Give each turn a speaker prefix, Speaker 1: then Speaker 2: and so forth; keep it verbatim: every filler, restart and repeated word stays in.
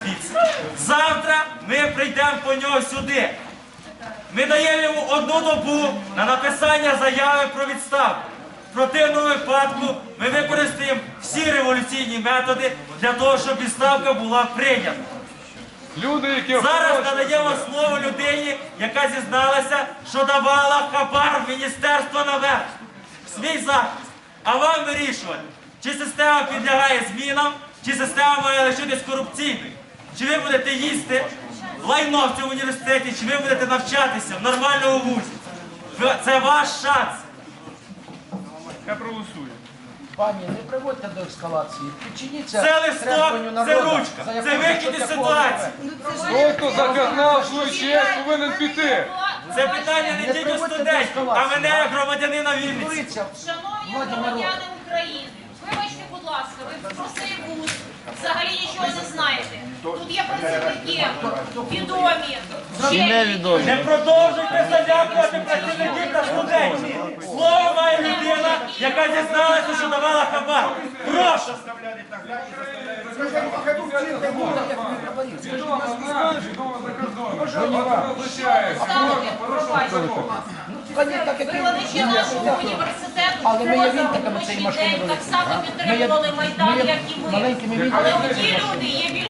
Speaker 1: Завтра ми прийдемо по нього сюди. Ми даємо йому одну добу на написання заяви про відставку. В противному випадку ми використаємо всі революційні методи для того, щоб відставка була прийнята.
Speaker 2: Люди, які
Speaker 1: Зараз надаємо слово людині, яка зізналася, що давала хабар в міністерство наверх. Свій захист. А вам вирішувати, чи система підлягає змінам, чи система має лишитись корупційною. Чи ви будете їсти лайно в цьому університеті, чи ви будете навчатися в нормальному вузі. Це ваш шанс.
Speaker 2: Я проголосую.
Speaker 3: Пані, не приводьте до ескалації. Підчиніться
Speaker 1: Це листок,
Speaker 3: требуванню
Speaker 1: це
Speaker 3: народу,
Speaker 1: ручка,
Speaker 3: за
Speaker 1: це
Speaker 3: якого
Speaker 1: вихід
Speaker 3: що
Speaker 1: із
Speaker 3: такого
Speaker 1: ситуації.
Speaker 2: Той, хто загнав свою честь, повинен піти.
Speaker 1: Це питання не тільки студентів, а мене як громадянина Вінниці.
Speaker 3: Говориться,
Speaker 4: Шановні
Speaker 3: владі народу.
Speaker 4: громадяни України, вибачте, будь ласка, ви про цей вуз взагалі нічого не знаєте. Тут є працівники, відомі, невідомі.
Speaker 1: Не продовжуйте залякувати працівників та студентів. Слово має людина, яка зізналася, що давала хабар. Прошу.
Speaker 3: Пані, так як
Speaker 4: Викладачі нашого університету
Speaker 3: Але ми є
Speaker 4: поза
Speaker 3: вінтиками
Speaker 4: робочий
Speaker 3: цієї машини
Speaker 4: день так
Speaker 3: великої.
Speaker 4: само підтримували Майдан,
Speaker 3: ми є
Speaker 4: як і ви.
Speaker 3: маленькими
Speaker 4: Але
Speaker 3: вінтиками.
Speaker 4: ті люди є більш